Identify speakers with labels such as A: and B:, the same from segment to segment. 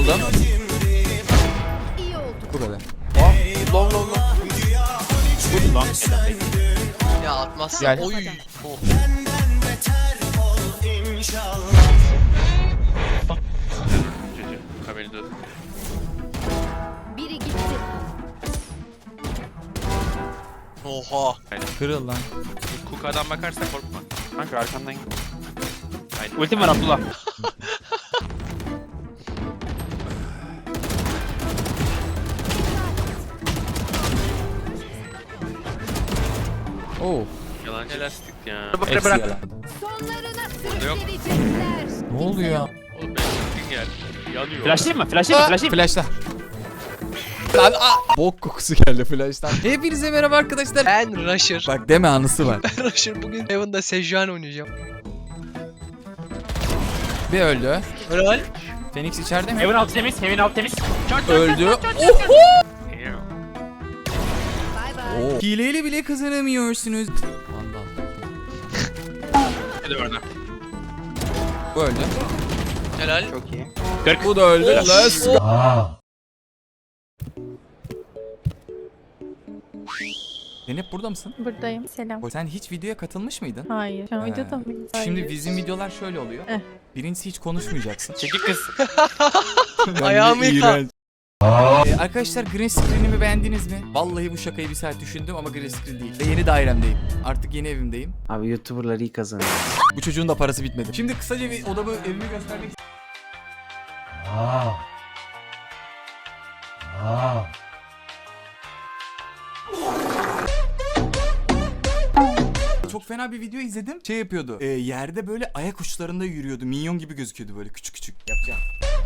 A: Aldım.
B: İyi oldu.
A: Bu kadar.
C: Long.
D: Vur lan.
C: Ya atmazsın.
A: Gel.
C: Oy.
D: Haberin olsun.
B: Biri gitti.
C: Oha.
A: Kırıl lan.
D: Kuka'dan bakarsa korkma.
E: Kanka arkandan git.
D: Aynen.
E: Ultim var Abdullah.
A: Oo.
D: Yalancı lastik ya.
A: Hepsi yalan.
B: Sonlarına
D: yok.
B: sürükleyecekler.
A: Ne oluyor ya?
D: Oğlum ben lastik geldi. Yanıyor.
E: Flashlayayım mı? Flashlayayım.
A: Flash'ta. Lan bok kokusu geldi flash'tan. Hepinize merhaba arkadaşlar.
C: Ben Rusher.
A: Bak deme anısı var.
C: Ben Rusher bugün Heaven'da Sejuani oynayacağım.
A: Bir öldü.
C: Helal.
A: Phoenix içeride mi?
E: Heaven alt temiz. Heaven alt temiz.
A: Öldü. Oho!
B: Bay bay.
A: Oo. Hileyle bile kazanamıyorsunuz. Vandal.
D: Hadi orada.
A: Bu öldü.
C: Helal.
E: Çok iyi.
A: Bu da öldü. Let's go. Zeynep burada mısın?
F: Buradayım. Selam.
A: Sen hiç videoya katılmış mıydın?
F: Hayır. Şu an
A: He.
F: videoda mıyız?
A: Şimdi
F: Hayır.
A: bizim videolar şöyle oluyor. Birincisi hiç konuşmayacaksın.
E: Çekil kız.
C: Ayağımı yıka.
A: Arkadaşlar green screen'imi beğendiniz mi? Vallahi bu şakayı bir saat düşündüm ama green screen değil. Ve yeni dairemdeyim. Artık yeni evimdeyim.
G: Abi YouTuber'lar iyi kazanıyor.
A: Bu çocuğun da parası bitmedi. Şimdi kısaca bir odamı, evimi göstermek Çok fena bir video izledim. Şey yapıyordu. Yerde böyle ayak uçlarında yürüyordu. Minyon gibi gözüküyordu böyle küçük küçük. Yapacağım.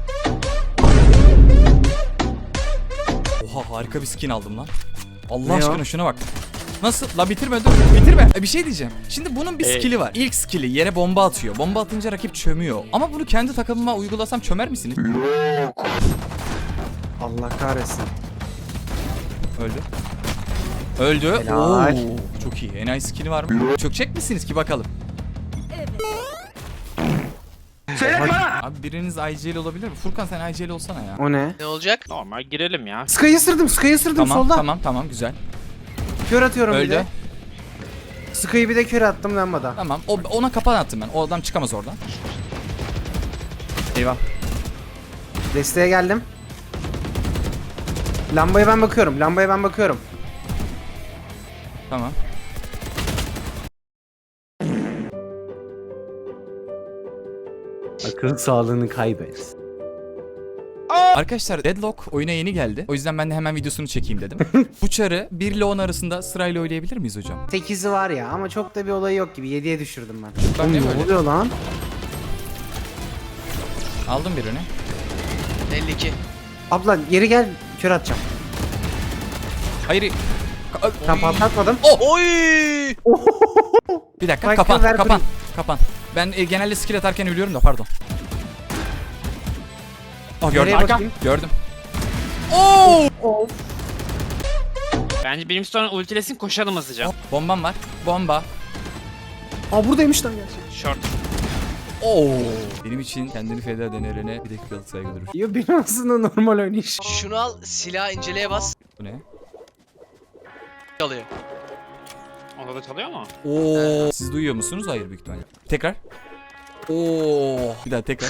A: Oha harika bir skin aldım lan. Allah
G: Ne
A: aşkına
G: o?
A: şuna bak. Nasıl? La bitirme dur. Bitirme. Bir şey diyeceğim. Şimdi bunun bir skill'i var. İlk skill'i yere bomba atıyor. Bomba atınca rakip çömüyor. Ama bunu kendi takımıma uygulasam çömer misiniz?
G: Allah kahretsin.
A: Öldü. Öldü.
G: Helal.
A: Oo, çok iyi. En iyi skill'i var mı? Çökecek misiniz ki bakalım? Abi biriniz IGL olabilir mi? Furkan sen IGL olsana ya.
G: O ne?
C: Ne olacak?
E: Normal girelim ya.
G: Sky'ı ısırdım
A: Tamam
G: solda.
A: tamam güzel.
G: Kör atıyorum bir
A: Öldü.
G: de. Sky'ı bir de kör attım lambada.
A: Tamam. Ona kapan attım ben. O adam çıkamaz oradan. Eyvah.
G: Desteğe geldim. Lambaya ben bakıyorum.
A: Tamam.
G: Akıl sağlığını kaybet.
A: Arkadaşlar Deadlock oyuna yeni geldi. O yüzden ben de hemen videosunu çekeyim dedim. Bu çarı 1 ile 10 arasında sırayla oynayabilir miyiz hocam?
G: 8'i var ya ama çok da bir olayı yok gibi. 7'ye düşürdüm ben.
A: Ben de
G: Oğlum,
A: böyle.
G: ne oluyor lan?
A: Aldım birini.
C: 52.
G: Abla geri gel, kör atacağım.
A: Hayır.
G: Tam patlatmadım.
C: Oy!
A: Bir dakika
G: Bak,
A: kapan
G: ver
A: kapan kapan. Ben genelde skill atarken ölüyorum da pardon. Oh gördüm.
G: Nereye bakayım?
A: Gördüm. Oo!
G: Of.
E: Bence benim sonra ultilesin koşalım hızlıca.
A: Bombam var. Bomba.
G: Aa buradaymış lan gerçekten.
E: Short.
A: Oo! Benim için kendini feda eden Eren'e bir dakikalık saygı durur.
G: Yo benim aslında normal oynayış.
C: Şunu al, silah inceleye bas.
A: Bu ne?
C: Alıyor.
E: Onda da çalıyor mu?
A: Oo! Siz duyuyor musunuz? Hayır büyük ihtimalle. Tekrar. Oo! Bir daha tekrar.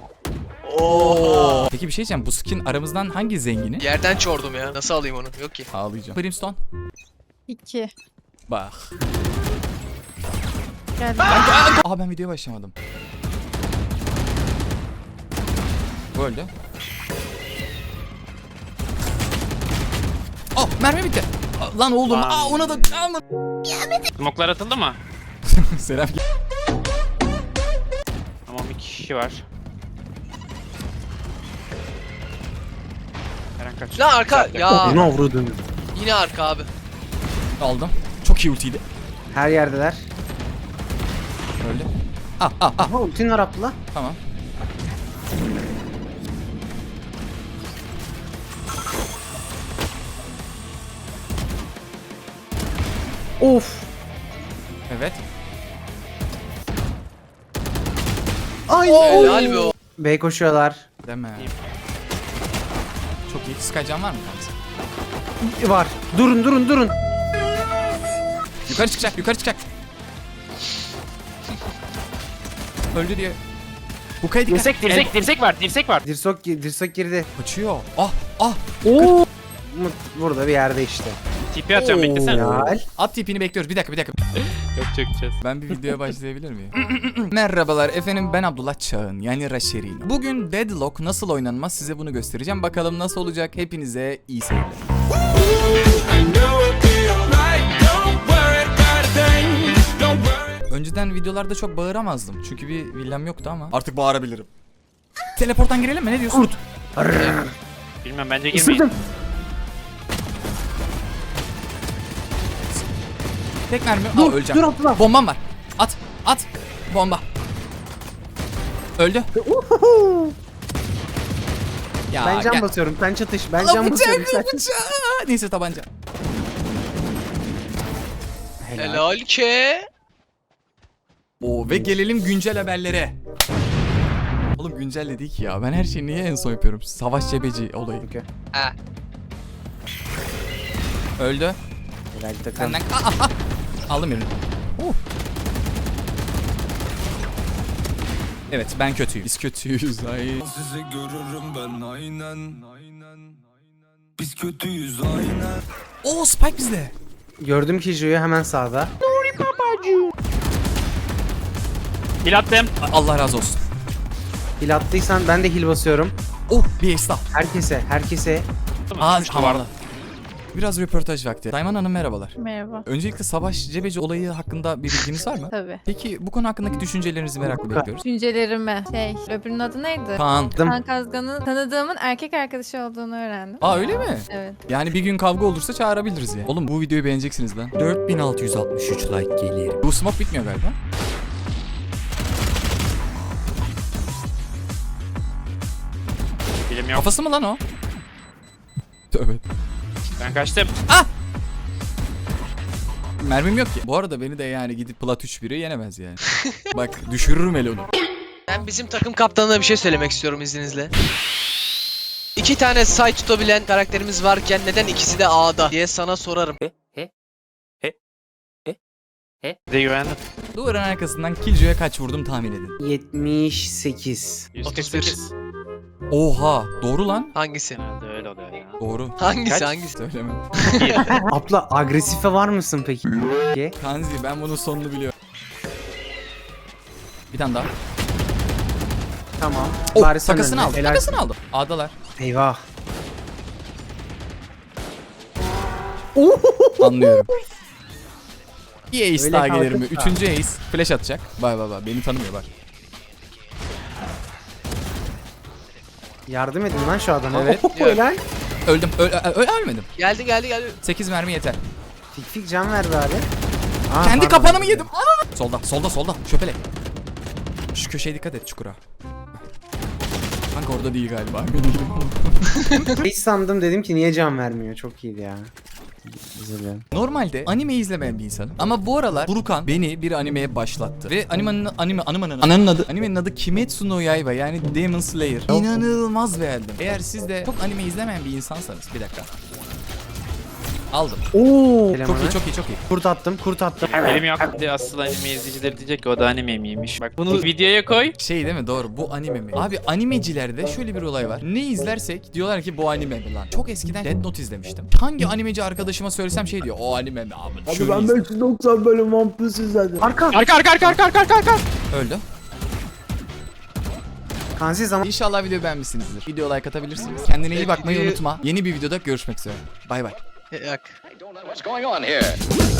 A: Oo! Peki bir şey diyeceğim. Bu skin aramızdan hangi zengini?
C: Yerden çordum ya. Nasıl alayım onu? Yok ki.
A: Ağlayacağım. Brimstone.
F: 2.
A: Bak.
F: Geldim.
A: Aa ben videoya başlamadım. Bu öldü. Oh mermi bitti. Lan oğlum. Aa ona da. Aman.
E: Smoklar atıldı mı?
A: Selam.
E: Tamam bir kişi var. Eren kaç.
C: Lan arka. Ya.
G: Ne vurdun?
C: Yine arka abi.
A: Aldım. Çok iyi ultiydi.
G: Her yerdeler.
A: Öldü. Ah ah ah.
G: Aha ultin var Abdullah.
A: Tamam.
G: Of.
A: Evet.
G: Ay.
C: Helal be o.
G: B koşuyorlar.
A: Deme. Çok iyi. Skycan var mı kanka?
G: Var. Durun.
A: Yukarı çıkacak. Öldü diye. Bu kaydı
E: Dirsek var.
G: Dirsok girdi.
A: Kaçıyor. Ah.
G: Oo. Burada bir yerde işte.
E: TP atıyorum beklesene.
G: Helal.
A: At tipini bekliyoruz. Bir dakika.
E: Yok çökeceğiz.
A: Ben bir videoya başlayabilir miyim? Merhabalar efendim, ben Abdullah Çağın yani Raşerin. Bugün Deadlock nasıl oynanmaz size bunu göstereceğim. Bakalım nasıl olacak. Hepinize iyi seyirler. Önceden videolarda çok bağıramazdım. Çünkü bir villam yoktu ama artık bağırabilirim. Teleporttan girelim mi? Ne diyorsun?
E: Bilmem bence girmeyin.
G: Isırdım.
A: Tek mermi.
G: Dur,
A: Öleceğim.
G: dur Abdullah.
A: Bombam var. At. Bomba. Öldü. Ya,
G: Ben can
A: gel.
G: basıyorum. Sen çatış. Ben
A: Lan
G: can basıyorum. Sen...
A: bıçak. Neyse tabanca.
C: Helal ki.
A: Oo, ve gelelim güncel haberlere. Oğlum güncel değil ki ya. Ben her şeyi niye en son yapıyorum? Savaş cebeci olayı.
G: Okay.
C: Ha.
A: Öldü.
G: Helal takım.
A: Senden aldım birini. Evet ben kötüyüm. Biz kötüyüz. Ay.
H: Sizi görürüm ben aynen. Biz kötüyüz aynen.
A: Oo Spike bizde.
G: Gördüm Kijo'yu hemen sağda.
E: Heal attım.
A: Allah razı olsun.
G: Hil attıysan ben de hil basıyorum.
A: Oh bir ace daha.
G: Herkese.
A: Aa
E: Üç
A: havalı.
E: duvar.
A: Biraz röportaj vakti. Dayman Hanım merhabalar.
F: Merhaba.
A: Öncelikle savaş cebeci olayı hakkında bir bilginiz var mı?
F: Tabii.
A: Peki bu konu hakkındaki düşüncelerinizi merakla bekliyoruz.
F: Düşüncelerime. Öbürünün adı neydi?
A: Kaan.
F: Kaan Kazgan'ın tanıdığımın erkek arkadaşı olduğunu öğrendim.
A: Aa öyle mi?
F: Evet.
A: Yani bir gün kavga olursa çağırabiliriz ya. Oğlum bu videoyu beğeneceksiniz lan. 4663 like gelir. Bu smoke bitmiyor galiba.
E: Bilim yok.
A: Kafası mı lan o? Tövbe.
E: Ben kaçtım.
A: Mermim yok ki. Bu arada beni de yani gidip plat 3-1'i yenemez yani. Bak düşürürüm el onu.
C: Ben bizim takım kaptanına bir şey söylemek istiyorum izninizle. 2 tane side tutabilen karakterimiz varken neden ikisi de A'da diye sana sorarım.
E: Bir de güvendim.
A: Duvarın arkasından Killjoy'a kaç vurdum tahmin edin.
G: 78.
E: 148.
A: Oha doğru lan.
C: Hangisi?
E: Herhalde öyle oluyor ya.
A: Doğru.
C: Hangisi hangisi?
A: Söylemem.
G: Abla agresife var mısın peki?
A: Kanzi ben bunun sonunu biliyorum. Bir tane daha.
G: Tamam.
A: Oh
G: Bari sen
A: takasını
G: önüne.
A: aldım.
G: Helal.
A: Takasını aldım. A'dalar.
G: Eyvah.
A: Anlıyorum. Bir ace
G: Öyle
A: daha gelir mi?
G: kalkıp da.
A: Üçüncü ace. Flash atacak. Bay. Beni tanımıyor bak.
G: Yardım edin lan şu adama.
A: Evet.
G: Helal.
A: Öldüm. Ölmedim.
C: Geldi.
A: 8 mermi yeter.
G: Fik can ver bari. Aa,
A: Kendi
G: pardon.
A: kapanımı yedim. Solda. Şöpele. Şu köşeye dikkat et çukura. Kanka orada değil galiba.
G: Hiç sandım dedim ki niye can vermiyor. Çok iyiydi ya. Özür dilerim.
A: Normalde anime izlemeyen bir insanım. Ama bu aralar Furkan beni bir animeye başlattı. Ve animenin adı Kimetsu no Yaiba yani Demon Slayer. İnanılmaz beğendim. Eğer siz de çok anime izlemeyen bir insansanız bir dakika. Aldım.
G: Oo.
A: Çok iyi.
G: Kurt attım.
E: Elim yok. Bir de asıl anime izleyicileri diyecek ki o da anime miymiş. Bak bunu videoya koy.
A: Şey değil mi doğru bu anime mi? Abi animecilerde şöyle bir olay var. Ne izlersek diyorlar ki bu anime mi lan? Çok eskiden Death Note izlemiştim. Hangi animeci arkadaşıma söylesem şey diyor. O anime mi abi? Şunu izle.
G: 590 bölüm One Piece izledim. Arka.
E: Arka.
A: Öldü.
G: Kansi zaman.
A: İnşallah video beğenmişsinizdir. Video like atabilirsiniz. Kendine iyi bakmayı unutma. Yeni bir videoda görüşmek üzere. Bay bay.
C: Yak.
I: What's going on here?